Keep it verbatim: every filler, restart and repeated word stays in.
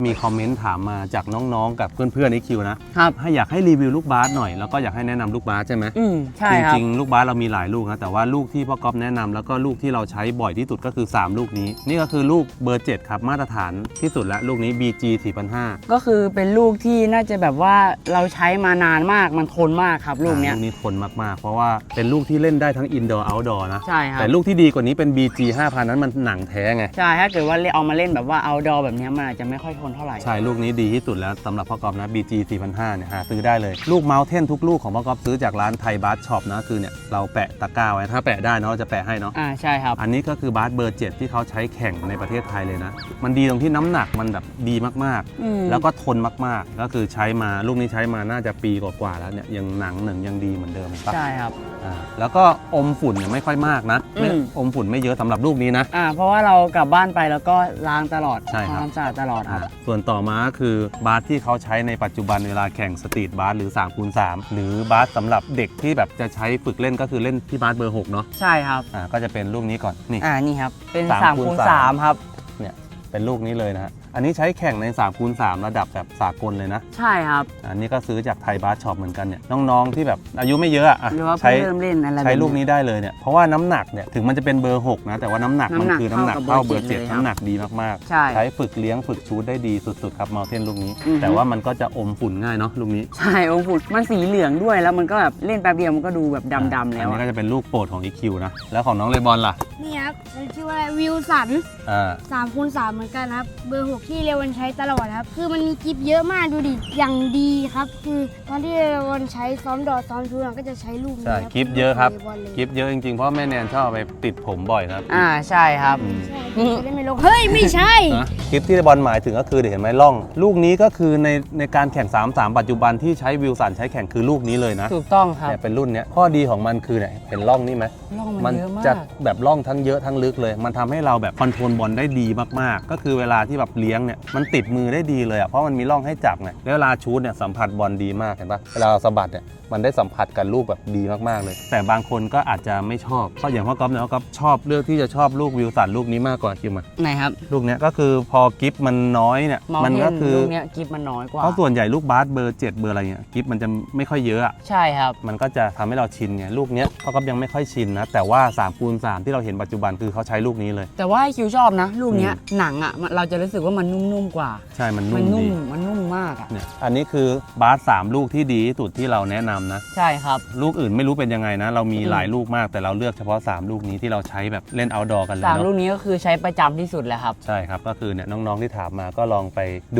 มีคอมเมนต์ถามมาจากน้องๆกับเพื่อนๆในคิวนะครับให้อยากให้รีวิวลูกบาสหน่อยแล้วก็อยากให้แนะนำลูกบาสใช่ไหมอืมใช่จครับริงๆลูกบาสเรามีหลายลูกนะแต่ว่าลูกที่พ่อก๊อฟแนะนำแล้วก็ลูกที่เราใช้บ่อยที่สุดก็คือสามลูกนี้นี่ก็คือลูกเบอร์เจ็ดครับมาตรฐานที่สุดและลูกนี้ บี จี สี่พันห้าก็คือเป็นลูกที่น่าจะแบบว่าเราใช้มานานมากมันทนมากครับลูกเนี้ยลูกนี้ทนมากๆเพราะว่าเป็นลูกที่เล่นได้ทั้งอินดอร์เอาท์ดอร์นะใช่ครับแต่ลูกที่ดีกว่านี้เป็น บี จี ห้าพัน นั้นมันหนังแท้ไงใช่ถ้าเกิดว่าเอามาเล่นแบบว่าเอาดอแบบนี้มันอาจจะไม่ค่อยทนเท่าไหร่ใช่ลูกนี้ดีที่สุดแล้วสำหรับพ่อกอล์ฟนะ บี จี สี่พันห้า เนี่ยหาซื้อได้เลยลูกเมาส์เทนทุกลูกของพ่อกอล์ฟซื้อจากร้านไทยบาสช็อปนะคือเนี่ยเราแปะตะกร้าไว้ถ้าแปะได้เนาะจะแปะให้เนาะอ่าใช่ครับอันนี้ก็คือบาสเบอร์เจ็ดที่เขาใช้แข่งในประเทศไทยเลยนะมันดีตรงที่น้ำหนักมันแบบดีมากๆแล้วก็ทนมากๆก็คือใช้มาลูกนี้ใช้มาน่าจะปีกว่าๆแล้วเนี่ยยังหนังหนึ่งยังดีเหมือนเดิมใช่ครับอ่าแล้วก็อมฝุ่นเนี่ยไม่ค่อยมากนะไม่อมฝุ่นไม่เยอะสำหรับลูกนี้นะอ่าเพราะว่าเรากลับบ้านไปแล้วก็ล้างตลอดใช่ครับทำความสะอาดตลอดครับส่วนต่อมาก็คือบาสที่เขาใช้ในปัจจุบันเวลาแข่งสตรีทบาสหรือ สามคูณสาม หรือบาสสำหรับเด็กที่แบบจะใช้ฝึกเล่นก็คือเล่นที่บาสเบอร์หกเนาะใช่ครับอ่าก็จะเป็นลูกนี้ก่อนนี่อ่านี่ครับเป็นสามคูณสามครับเนี่ยเป็นลูกนี้เลยนะฮะอันนี้ใช้แข่งใน สามคูณสาม ระดับแบบสากลเลยนะใช่ครับอันนี้ก็ซื้อจากไทยบาสช็อปเหมือนกันเนี่ยน้องๆที่แบบอายุไม่เยอะอ่ะใช้เริ่มเล่นอะไรใช้ลูกนี้ได้เลยเนี่ยเพราะว่าน้ำหนักเนี่ยถึงมันจะเป็นเบอร์หกนะแต่ว่าน้ำหนักมันคือน้ำหนักเท่าเบอร์เจ็ดน้ำหนักดีมากๆใช้ฝึกเลี้ยงฝึกชูตได้ดีสุดๆครับเมาเทนลูกนี้แต่ว่ามันก็จะอมฝุ่นง่ายเนาะลูกนี้ใช่อมฝุ่นมันสีเหลืองด้วยแล้วมันก็แบบเล่นแป๊บเดียวมันก็ดูแบบดำๆแล้วอันนี้ก็จะเป็นลูกโปรดของ อี คิว นะแล้วของน้องเลบอนล่ะนี่ครับมันชื่อว่าวิลสันอ่าสามคูณสามเหมือนกันครับเบอร์หกที่เรวันใช้ตลอดครับคือมันมีกิฟเยอะมากดูดิอย่างดีครับคือตอนที่เรวันใช้ซ้อมดอทซ้อมชูนก็จะใช้ลูกนี้ใช่กิฟเยอะครับกิฟเยอะจริงๆเพราะแม่แนนชอบไปติดผมบ่อยครับอ่าใช่ครับใช่จะได้ไม่ลงเฮ้ยไม่ใช่กิฟที่เลบอนหมายถึงก็คือเดี๋ยวเห็นไหมล่องลูกนี้ก็คือในในการแข่ง สามสาม ปัจจุบันที่ใช้วิลสันใช้แข่งคือลูกนี้เลยนะถูกต้องครับเนี่ยเป็นรุ่นเนี้ยข้อดีของมันคือเนี่ยเห็นล่องนี่ไหมล่องมันเยอะมากจะแบบล่องทั้งเยอะทั้งลึกเลยมันทำให้เราแบบคอนโทรลบอลได้ดีมากๆก็คือเวลาที่แบบเลี้ยงเนี่ยมันติดมือได้ดีเลยอ่ะเพราะมันมีร่องให้จับไงแล้วเวลาชูตเนี่ยสัมผัสบอลดีมากเห็นปะเวลาสะบัดเนี่ยมันได้สัมผัสกับลูกแบบดีมากๆเลยแต่บางคนก็อาจจะไม่ชอบเพราะอย่างพ่อก๊อฟเนี่ยพ่อก๊อฟชอบเลือกที่จะชอบลูกวิลสันลูกนี้มากกว่าคิวมาไหนครับลูกเนี้ยก็คือพอกิฟมันน้อยเนี่ยมันก็คือลูกเนี้ยกิฟมันน้อยกว่าเพราะส่วนใหญ่ลูกบาสเบอร์เจ็ดเบอร์อะไรเงี้ยกิฟมันจะไม่ค่อยเยอะใช่ครับมันก็จะทำให้เราชินไงลูกเนี้ยพ่อก๊อฟยังไม่ค่อยชินนะแต่ว่า สามคูณสาม ที่เราเห็นปัจจุบันคือเขาใช้ลูกนี้เลยแต่ว่าคิวชอบนะลูกเนี้ยหนังอ่ะเราจะรู้สึกว่ามันนุ่มๆกว่าใช่มันนุ่มดีมันนุ่มมากอ่ะเนี่ยอันนี้คือบาสสามลูกที่ดีที่สุดที่เราแนะนำนะใช่ครับลูกอื่นไม่รู้เป็นยังไงนะเรามีหลายลูกมากแต่เราเลือกเฉพาะสามลูกนี้ที่เราใช้แบบเล่นเอาท์ดอร์กันเลยสามเนาะลูกนี้ก็คือใช้ประจำที่สุดแหละครับใช่ครับก็คือเนี่ยน้องๆที่ถามมาก็ลองไป